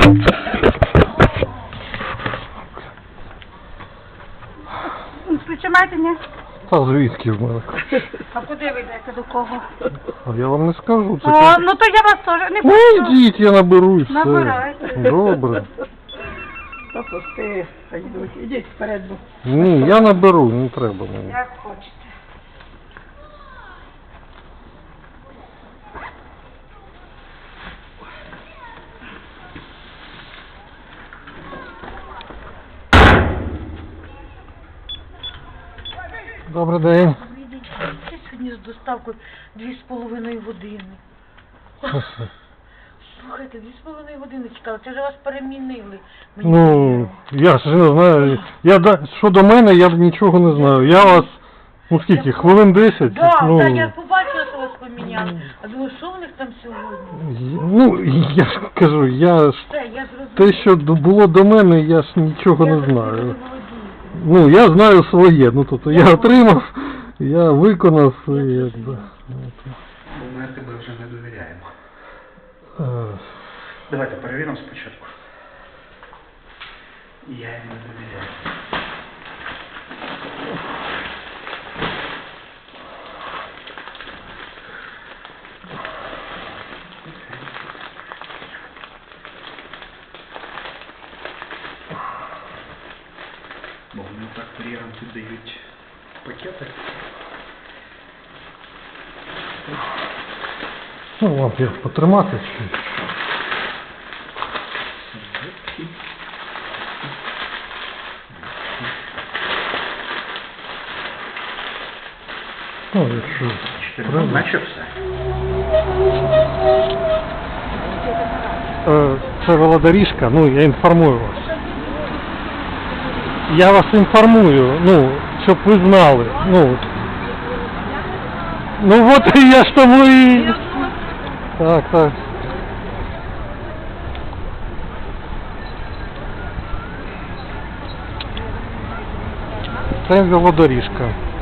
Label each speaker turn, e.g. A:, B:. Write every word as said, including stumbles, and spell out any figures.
A: Причимайте, ні?
B: Та звідки в мене?
A: А куди ви йдете, до кого?
B: А я вам не скажу. Це
A: А,
B: так.
A: ну то я вас теж не
B: Ну
A: пущу.
B: йдіть, я наберу і все.
A: Набирайте.
B: Добре.
C: Та пусти, хай йдуть. Ідіть вперед, бо.
B: Ні, я наберу, не треба мені.
A: Як хочете.
B: Добрий день.
A: Це сьогодні з доставкою дві з половиною години. Слухайте, дві з половиною години чекала, це вже вас перемінили. Мені
B: Ну, я ж не знаю. Я, да- що до мене, я нічого не знаю. Я вас, ну скільки, хвилин десять?
A: Да,
B: ну,
A: так, я побачила, що вас поміняли. А думаю, що в них там сьогодні?
B: ну, я ж кажу, я ж,
A: Все, я зрозуміла.
B: те, що д- було до мене, я ж нічого
A: Я
B: не
A: зрозуміла, ви
B: знаю.
A: володієте.
B: Ну, я знаю своє, ну, тобто, я
A: Я
B: отримав, я виконав, і, якби,
D: Бо ми тебе вже не довіряємо.
B: е,
D: Давайте перевіримо спочатку. Я їм не довіряю. Бо вони так кур'єрам піддають пакети.
B: ну, вам як потримати, чи... Ну, якщо
D: Чотири, ну,
B: треба.
D: наче все.
B: Е, Це велодоріжка, ну, я інформую вас. Я вас інформую, ну, щоб ви знали, ну. Ну, от я ж тому і... Так, так. Це велодоріжка.